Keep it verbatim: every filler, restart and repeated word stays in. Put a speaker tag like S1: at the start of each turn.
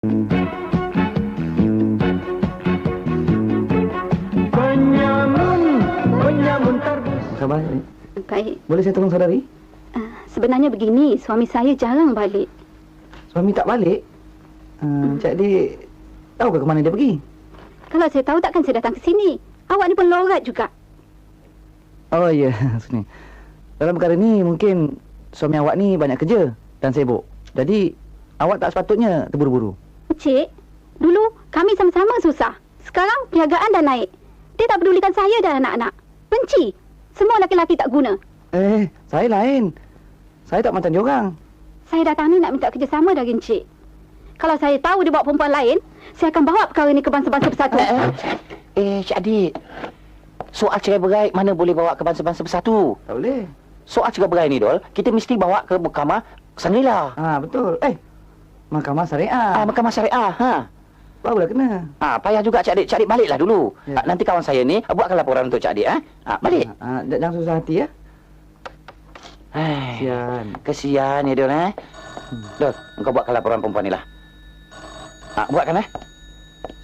S1: Penyamun, penyamun tarbus. Khabar?
S2: Baik.
S1: Boleh saya tolong saudari?
S2: Uh, sebenarnya begini, suami saya jarang balik.
S1: Suami tak balik? Uh, hmm. Cik Adik tahu ke mana dia pergi?
S2: Kalau saya tahu takkan saya datang ke sini. Awak ni pun lorat juga.
S1: Oh ya, sini. Dalam perkara ni mungkin suami awak ni banyak kerja dan sibuk. Jadi awak tak sepatutnya terburu-buru.
S2: Cik, dulu kami sama-sama susah. Sekarang perniagaan dah naik. Dia tak pedulikan saya dan anak-anak. Benci. Semua laki-laki tak guna.
S1: Eh, saya lain. Saya tak macam diorang.
S2: Saya datang ni nak minta kerjasama dari Encik. Kalau saya tahu dia bawa perempuan lain, saya akan bawa perkara ni ke bangsa-bangsa bersatu.
S3: Eh, eh, eh Cik Adik. Soal cerai berai mana boleh bawa ke bangsa-bangsa bersatu?
S1: Tak boleh.
S3: Soal cerai berai ni, Dol, kita mesti bawa ke Mahkamah Sangrila.
S1: Ah, betul. Eh, Mahkamah Syariah.
S3: Ah, Mahkamah Syariah, ha.
S1: Barulah kena.
S3: Ah, payah juga Cik Adik. Cik Adik baliklah dulu.
S1: Ya.
S3: Ah, nanti kawan saya ni buatkan laporan untuk Cik Adik, ha. Ah, balik.
S1: Ah, ah, jangan susah hati ya.
S3: Hai.
S1: Kesian.
S3: Kesian ya, Dol, eh.
S1: Hmm.
S3: Dol, engkau buatkan laporan perempuan ni lah. Ah, buatkan, eh.